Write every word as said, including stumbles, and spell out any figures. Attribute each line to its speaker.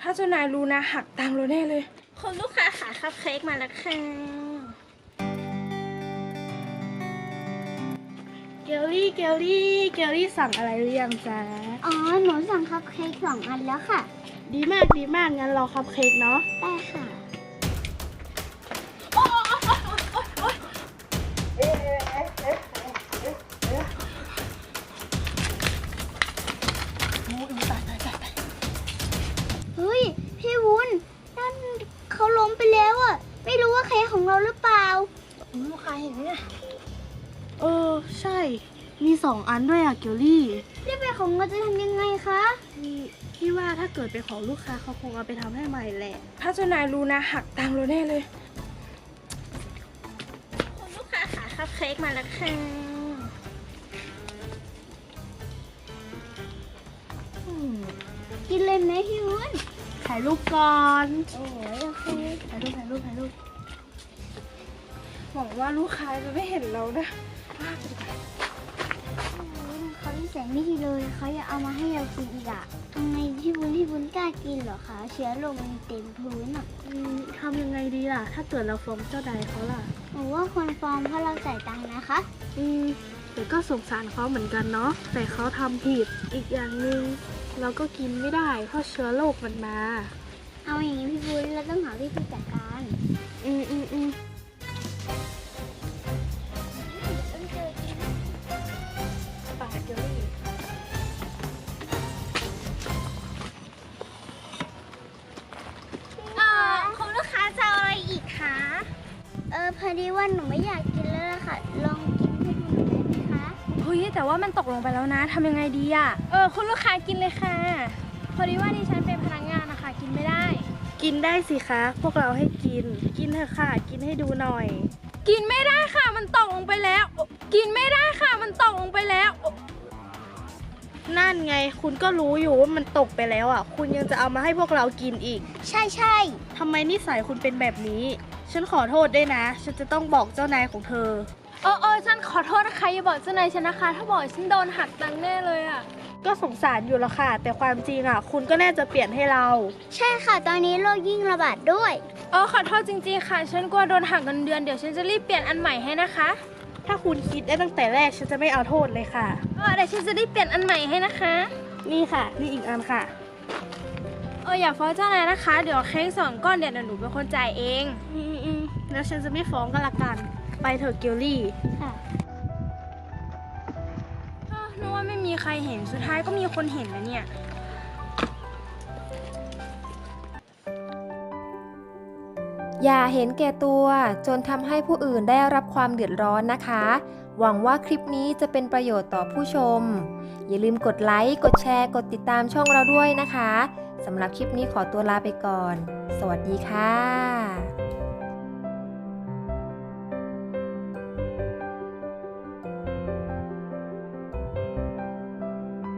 Speaker 1: าเจ้านายรู้นะหักตังค์เราแน่เลยคุณลูกค้าขาคัพเค้กมาแล้วค่ะเกลลี่เกลลี่เกลลี่สั่งอะไรหรือยังจ๊ะ
Speaker 2: อ๋อหนูสั่งคัพเค้กสองอันแล้วค่ะ
Speaker 1: ดีมากดีมากงั้นรอคัพเค้กเนาะ
Speaker 2: ได้ค่ะเฮ้ยพี่วุ้นนั่นเขาล้มไปแล้วอ่ะไม่รู้ว่าเค้กของเราหรือเปล่าลูกค้าเห็นไหมเนี่ย
Speaker 1: เออใช่มีสองอันด้วยอะเกลลี่
Speaker 2: นี่เป็นของเราจะทำยังไงคะ
Speaker 1: พี่พี่ว่าถ้าเกิดเป็นของลูกค้าเขาคงเอาไปทำให้ใหม่แหละถ้าเจ้านายรู้นะหักตังค์เราแน่เลยคุณลูกค้าขาคัพเค้กมาแล้วค่ะ
Speaker 2: กินเลยไหมพี่วุ้น
Speaker 1: ถ่ายรูปก่อน
Speaker 2: โอ้ยโอเค
Speaker 1: ถ่ายรูปถ่ายรูปถ่ายรูปหวังว่าลูกค้าจะไม่เห็นเรานะ
Speaker 2: เขาที่แสนไม่ดีเลยเขาอยากเอามาให้เรากินอีกอะทำไมพี่วุ้นพี่วุ้นกล้ากินเหรอคะเชื้อโรคมันเต็มพื้นอะ
Speaker 1: ทำยังไงดีล่ะถ้าเกิดเราฟ้องเจ้านายเขาล่ะ
Speaker 2: หนูว่าควรฟ้องเพราะเราจ่ายตังค์นะคะ
Speaker 1: อืมแต่ก็สงสารเขาเหมือนกันเนาะแต่เขาทำผิดอีกอย่างหนึ่งเราก็กินไม่ได้เพราะเชื้อโรคมันมา
Speaker 2: เอาอย่างนี้พี่วุ้นเราต้องหาวิธีจัดการ
Speaker 1: อืมอืมอืมปากเกลลี่
Speaker 2: เออคุณลูกค้าจะอะไรอีกคะเออพอดีว่าหนูไม่อยากกินแล้วล่ะค่ะลองกินให้ดูหน่อยได้ไหมคะ
Speaker 1: เฮ้ยแต่ว่ามันตกลงไปแล้วนะทำยังไงดีอ่ะเออคุณลูกค้ากินเลยค่ะพอดีว่าดิฉันเป็นพนักงานนะคะกินไม่ได้กินได้สิคะพวกเราให้กินกินเถอะค่ะกินให้ดูหน่อยกินไม่ได้ค่ะมันตกลงไปแล้วกินไม่ได้ค่ะมันตกลงไปแล้วนั่นไงคุณก็รู้อยู่ว่ามันตกไปแล้วอ่ะคุณยังจะเอามาให้พวกเรากินอีก
Speaker 2: ใช่ใช่
Speaker 1: ทำไมนิสัยคุณเป็นแบบนี้ฉันขอโทษด้วยนะฉันจะต้องบอกเจ้านายของเธอเออเออฉันขอโทษนะคะอย่าบอกเจ้านายฉันนะคะถ้าบอกฉันโดนหักตังค์แน่เลยอ่ะก็สงสารอยู่แล้วค่ะแต่ความจริงอ่ะคุณก็น่าจะเปลี่ยนให้เรา
Speaker 2: ใช่ค่ะตอนนี้โรคยิ่งระบาดด้วย
Speaker 1: เออขอโทษจริงๆค่ะฉันกลัวโดนหักเงินเดือนเดี๋ยวฉันจะรีบเปลี่ยนอันใหม่ให้นะคะถ้าคุณคิดได้ตั้งแต่แรกฉันจะไม่เอาโทษเลยค่ะเออเดี๋ยวฉันจะรีบเปลี่ยนอันใหม่ให้นะคะนี่ค่ะนี่อีกอันค่ะเอออย่าฟ้องเจ้านายนะคะเดี๋ยวเค้กสองก้อนเดี๋ยวหนูเป็นคนจ่ายเองอืมอืมแล้วฉันจะไม่ฟ้องกันละกันไปเถอะเกลลี่
Speaker 2: ค่ะ
Speaker 1: นึกว่าไม่มีใครเห็นสุดท้ายก็มีคนเห็นแล้วเนี่ย
Speaker 3: อย่าเห็นแก่ตัวจนทำให้ผู้อื่นได้รับความเดือดร้อนนะคะหวังว่าคลิปนี้จะเป็นประโยชน์ต่อผู้ชมอย่าลืมกดไลค์กดแชร์กดติดตามช่องเราด้วยนะคะสำหรับคลิปนี้ขอตัวลาไปก่อนสวัสดีค่ะ